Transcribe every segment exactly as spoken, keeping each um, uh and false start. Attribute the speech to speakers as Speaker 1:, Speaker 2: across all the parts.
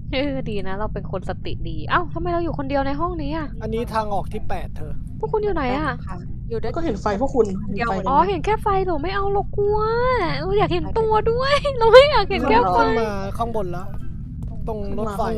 Speaker 1: เออดีนะเราเป็นคนสติดีเอ้าทำไมเราอยู่คนเดียวในห้องนี้อ่ะ
Speaker 2: อันนี้ทางออกที่แปดเธอ
Speaker 1: พวกคุณอยู่ไหนอ่ะ
Speaker 3: ค่ะอยู่ด้วย
Speaker 4: ก็เห็นไฟพวกคุณ
Speaker 3: เดียว
Speaker 4: ไฟ
Speaker 1: อ๋อเห็นแค่ไฟเราไม่เอาเรากลัวเราอยากเห็นตัวด้วย เราไม่อยากเห็นแค่ไฟ
Speaker 2: ขึ้นมาข้างบนแล้ว ตรงรถไฟ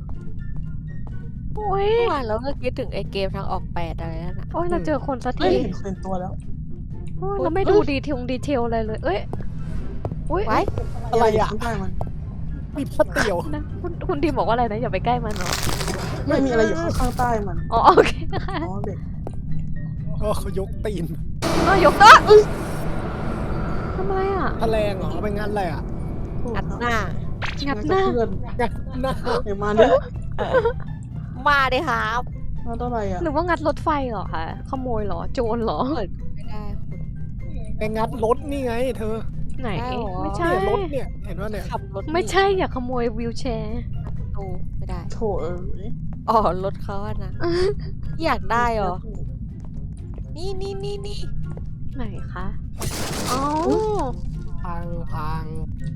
Speaker 1: โอ้ย
Speaker 3: เมื่อวานเราก็คิดถึงไอ้เกมทางออกแปดอะไรนั่นน่ะ
Speaker 1: โอ้ยเราเจอคนสัก
Speaker 4: ไม่
Speaker 1: ที
Speaker 4: เห็นเป็นตัวแล้ว
Speaker 1: โอ้ยเราไม่ดูดีเทลดีเทลอะไรเลย เอ้ยอุ้ย
Speaker 3: ไว้
Speaker 2: อะไรอ่ะ
Speaker 4: ข้างใต้มัน
Speaker 2: มีพัดเตี่ยว
Speaker 1: นะคุณคุณดีมบอกว่าอะไรนะอย่าไปใกล้มันเนาะ
Speaker 4: ไม่มีอะไรอยู่ข้างใต้มัน
Speaker 1: อ๋อโอเคค่ะ
Speaker 4: อ๋อเด็ก
Speaker 2: ก็เขายกตีน
Speaker 1: เออยกโต๊ะทำอะไรอ่ะ
Speaker 2: แถลงเหรอไปงานอะไรอ่ะ
Speaker 3: อัดหน้า
Speaker 1: งัดหน้า
Speaker 4: เพื่อน
Speaker 2: งานหน้า
Speaker 4: เห็นมาเนี่ย
Speaker 3: มาดิครับ
Speaker 4: มาเท่าไหร่อ่ะ
Speaker 1: หรือว่างัดรถไฟเหรอคะขโมยเหรอโจรเหรอ
Speaker 3: เปิดไม่ได้คุณ
Speaker 2: ไปงัดรถนี่ไง เธอ
Speaker 1: ไหน
Speaker 3: ได้เหรอ
Speaker 1: ไม่ใช่
Speaker 2: เนี่ยรถเนี่ยเห็นว่าเนี่ย
Speaker 3: ขับรถ
Speaker 1: ไม่ใช่อย่าขโมยวิวแชร์
Speaker 3: ประตูไม่ได้
Speaker 4: โถเอ้ย
Speaker 3: อ๋อรถเขาอะนะอยากได้เหรอนี่นี่นี่นี่
Speaker 1: ไหนคะอ๋อ
Speaker 2: พังพัง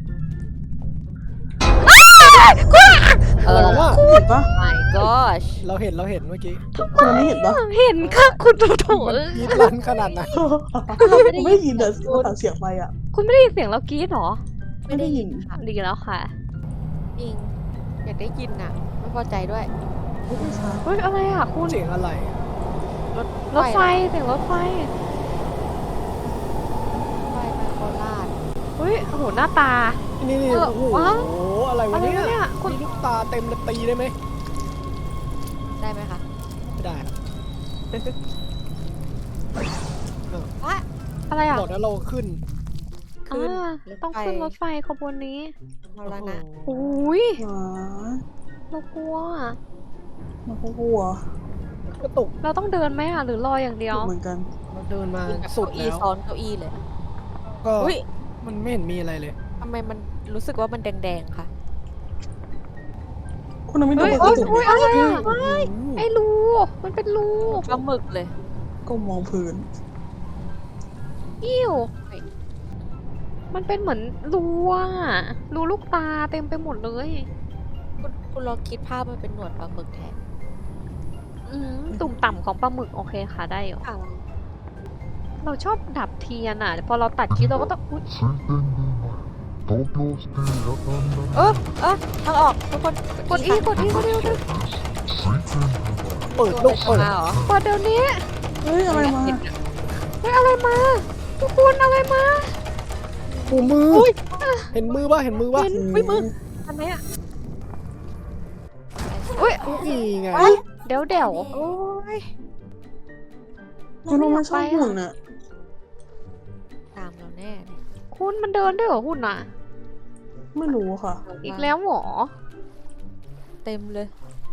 Speaker 3: เออ
Speaker 2: เราว่า
Speaker 4: เห็นปะ
Speaker 3: my gosh
Speaker 2: เราเห็นเราเห็นเมื่อกี้
Speaker 4: คุณไม่เห็นปะ
Speaker 1: เห็นค่ะคุณโถโถ
Speaker 2: มันยีดลันขนาดไหน
Speaker 3: เราไม่ได้ยิน
Speaker 4: ไม่ได้ยินแต่ตัดเสียงไปอ่ะ
Speaker 1: คุณไม่ได้ยินเสียงเรากรี๊ดเหรอ
Speaker 4: ไม่ได้ยิน
Speaker 3: ค่ะ
Speaker 1: ดีแล้วค่ะ
Speaker 3: จริงอยากได้ยินน่ะ ไม่พอใจด้วย
Speaker 4: ไม่ใช่
Speaker 1: เฮ้ยอะไรอ่ะคุณ
Speaker 2: เสียงอะไร
Speaker 3: รถ
Speaker 1: รถไฟเสียงรถไฟ
Speaker 3: ไฟไปโคราช
Speaker 1: เฮ้ยโอ้โหหน้าตา
Speaker 2: นี่นี่
Speaker 1: เออ
Speaker 2: โอ้โห
Speaker 1: ว้าว
Speaker 2: อะไร
Speaker 1: อะ
Speaker 2: วะ
Speaker 1: ไร
Speaker 2: เนี่ยว
Speaker 1: ะเนี่ยคุณ
Speaker 2: มีลูกตาเต็มเลยตีได้ไหม
Speaker 3: ได้ไหมคะ
Speaker 2: ไม่ได้
Speaker 3: วะ
Speaker 1: อะไรอ่ะ
Speaker 2: บอกแล้วเราขึ้น
Speaker 3: ขึ้น
Speaker 1: อ่าต้องขึ้นรถไฟขบวนนี้
Speaker 3: เอาละนะ
Speaker 1: โอ้ย
Speaker 4: หมา
Speaker 1: เรากลัวอะ
Speaker 4: มันก็กลัว
Speaker 2: กระตุก
Speaker 1: เราต้องเดินไหมอ่ะหรือรออย่างเดียว
Speaker 4: เหมือนกัน
Speaker 2: เราเดินมา
Speaker 3: คือแบบ
Speaker 2: สุด
Speaker 3: เก้าอี้
Speaker 2: แล้ว
Speaker 3: ซ้อนเก้าอี้เลย
Speaker 2: ก็
Speaker 3: อุ้ย
Speaker 2: มันไม่เห็นมีอะไรเลย
Speaker 3: ทำไมมันรู้สึกว่ามันแดงๆค่ะ
Speaker 4: คุณไม่ดู
Speaker 1: เฮ้ย
Speaker 4: กระ
Speaker 1: โอ๊ย
Speaker 4: จก
Speaker 1: โอ๊ยอะไรอ่ะ
Speaker 2: โอ้โห
Speaker 1: ไอ้รู มันเป็นรู
Speaker 3: ปลาหมึกเลย
Speaker 4: ก็มองพื้น
Speaker 1: อิ่วมันเป็นเหมือนรูอ่ะรูลูกตาเต็มไปหมดเลย
Speaker 3: คุณคุณลองคิดภาพมันเป็นหนวดปลาหมึกแทน
Speaker 1: อืมตุ่มต่ำของปลาหมึกโอเคค่ะได้อยู่
Speaker 3: ค่ะ
Speaker 1: เราชอบดับเทียนอ่ะ พอเราตัดคลิปเราก็ต้องอุ๊ย
Speaker 5: 水天宮前東京ステーラン
Speaker 3: เออเออทางออกทุกคน
Speaker 1: กดอีกดอีกดอีกดอี
Speaker 5: 水天宮
Speaker 2: เปิด
Speaker 3: ตั
Speaker 2: ลู
Speaker 3: ว
Speaker 2: ก
Speaker 3: อะไร
Speaker 2: เปิด
Speaker 3: มาเหรอ
Speaker 1: เปิดเดี๋ยวนี้
Speaker 4: เฮ้ยอะไรมา
Speaker 1: เฮ้ยอะไรมา ทุกคนอะไรมา
Speaker 2: ปูมืออเห็นมือป่ะเห็นมือป่ะ
Speaker 1: เห็น
Speaker 3: อุ้ยมึงอันไหนอะ
Speaker 1: อุ้ย
Speaker 2: นี่ไง
Speaker 1: เดี๋ยวเดี๋ยว
Speaker 3: โอ้ย
Speaker 4: คุณลงมาชอบหุ่นอ่ะ
Speaker 3: ตามเราแน่เลย
Speaker 1: คุณมันเดินด้วยเหรอหุ่นอ่ะ
Speaker 4: ไม่รู้ค่ะ
Speaker 1: อีกแล้วเหรอ
Speaker 3: เต็มเลย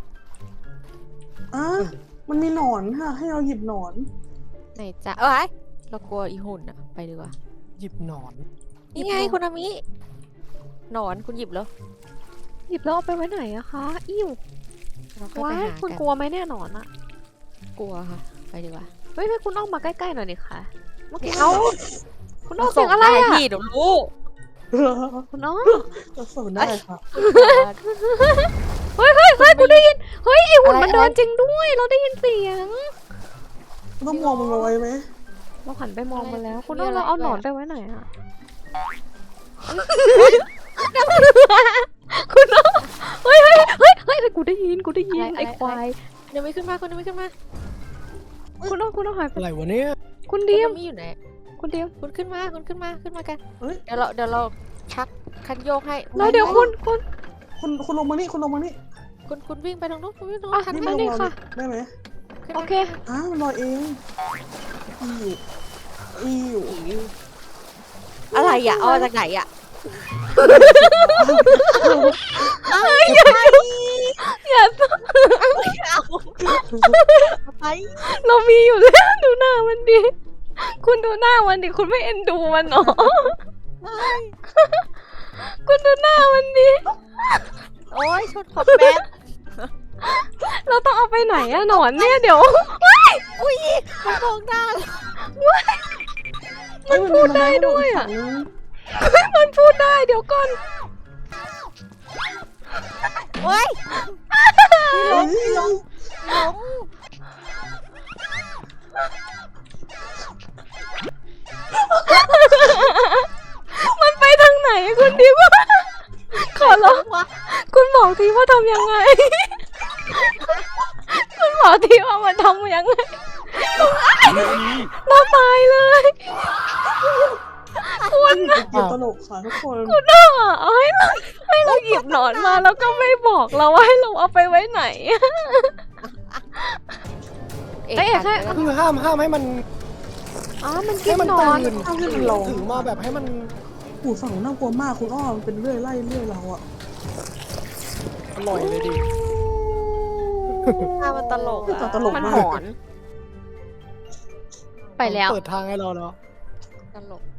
Speaker 4: อ่ะมันมีหนอนค่ะ ให้เราหยิบหนอน
Speaker 3: ไหนจะเอ้ยเรากลัวอีหุ่นอะไปดีกว่า
Speaker 2: หยิบหนอน
Speaker 3: นี่ไงคุณอามิหนอนคุณหยิบแล้ว
Speaker 1: หยิบแล้วเอาไปไว้ไหนอะคะ อิ่ว
Speaker 3: เราค่อย
Speaker 1: ว้า
Speaker 3: ไป
Speaker 1: ย
Speaker 3: หา
Speaker 1: คุณ
Speaker 3: กัน
Speaker 1: กลัวไหมเนี่ยหนอนอะ
Speaker 3: กลัวค่ะ ไปดีกว่า
Speaker 1: เฮ้ยให้คุณออกมาใกล้ๆหน่อยดิค่ะเมื่อกี้
Speaker 3: เอา
Speaker 1: คุณออกเสียงอะไรอะ
Speaker 3: พี่เดี๋ยวรู้
Speaker 1: คุณอ้อ
Speaker 4: ก็ส่งได้ค่ะ
Speaker 1: เฮ้ยเฮ้ยเฮ้ยกูได้ยิน เฮ้ยไอหุ่นมันเดินจริงด้วย เราได้ยินเสียง
Speaker 4: ต้องมองมันเอาไว้ไหม
Speaker 1: เราหันไปมองมันแล้ว คุณอ้อเราเอาหนอนไปไว้ไหนอะคุณอ้อเฮ้ยเฮ้ยเฮ้ยเฮ้ยกูได้ยินกูได้ยินไอควาย
Speaker 3: เดี๋ยวไม่ขึ้นมาคุณเดี๋ยวไม่ขึ้นมา
Speaker 1: คุณอ้อคุณอ้อหายไป
Speaker 2: อะไรวะเนี่ย
Speaker 1: คุณเดียม
Speaker 3: คุณอามิอยู่ไหน
Speaker 1: คุณเดียม
Speaker 3: คุณขึ้นมาคุณขึ้นมาขึ้นมากัน
Speaker 4: เฮ้ย
Speaker 3: เดี๋ยวเราเดี๋ยวเราชักคันโยกให้
Speaker 1: แล้วเดี๋ยวคุณคุณ
Speaker 4: คุณคุณลงมานี่คุณลงมานี่
Speaker 3: คุณคุณวิ่งไปตรงนู้นคุณวิ่งตรง
Speaker 1: อ่ะ
Speaker 3: นู้นคัน
Speaker 4: นี่
Speaker 3: ไป
Speaker 4: มันล
Speaker 1: นี่
Speaker 4: งมา
Speaker 1: ค่ะ
Speaker 4: ได้ไหม
Speaker 3: ขึ้น
Speaker 1: โอ
Speaker 3: มา
Speaker 1: เค
Speaker 4: อ่ะมันลอยเองอีอยู่อีอยู่
Speaker 3: อะไรอ่ะเอามาจากไหนอ่ะ
Speaker 1: อย่า
Speaker 3: เอาไป
Speaker 1: เรามีอยู่แล้ว ดูหน้ามันดิ คุณดูหน้ามันดิ คุณไม่เอ็นดูมันหรอ คุณดูหน้ามันดิ
Speaker 3: โอ้ยชนขอบแป๊บ
Speaker 1: เราต้องเอาไปไหนอะหนอนเนี่ยเดี๋ยว
Speaker 3: อุ้ยมันมองหน้า
Speaker 1: มันพูดได้ด้วยอะ มันพูดได้เดี๋ยวก่อน
Speaker 3: เฮ้ยหลงหลงหลง
Speaker 1: มันไปทางไหนคุณดิวขอร้องคุณบอกทีว่าทำยังไง คุณบอกทีว่ามันทำยังไงเราตายเลยคุณ
Speaker 4: เป็นเกมตลกค่ะทุกคน
Speaker 1: คุณน่ะเอาให้เราให้เราหยิบหนอนมาแล้วก็ไม่บอกเราว่าให้เราเอาไปไว้ไหน
Speaker 3: เอก
Speaker 1: เอ้ย
Speaker 3: หัน
Speaker 1: แค่
Speaker 3: ไปแล้ว
Speaker 2: คือห้ามห้ามให้มัน
Speaker 1: อ๋อมันกิ
Speaker 2: ให้
Speaker 1: น
Speaker 2: มัน
Speaker 1: หนอน
Speaker 2: ตื่น
Speaker 4: ห้ามให้มันลอง
Speaker 2: ถือมาแบบให้มัน
Speaker 4: หูฝั่งน่ากลัวมากคุณอ้อมันเป็นเรื่อยไล่เรื่อยเราอะ
Speaker 2: อร่อยเลยดิ
Speaker 3: หน้ามันตลกอะ
Speaker 4: ตลก
Speaker 1: มัน
Speaker 4: มา
Speaker 1: ห
Speaker 4: ก
Speaker 1: อน ไปแล้ว
Speaker 2: เปิดทางให้เราแล้ว
Speaker 3: ตลก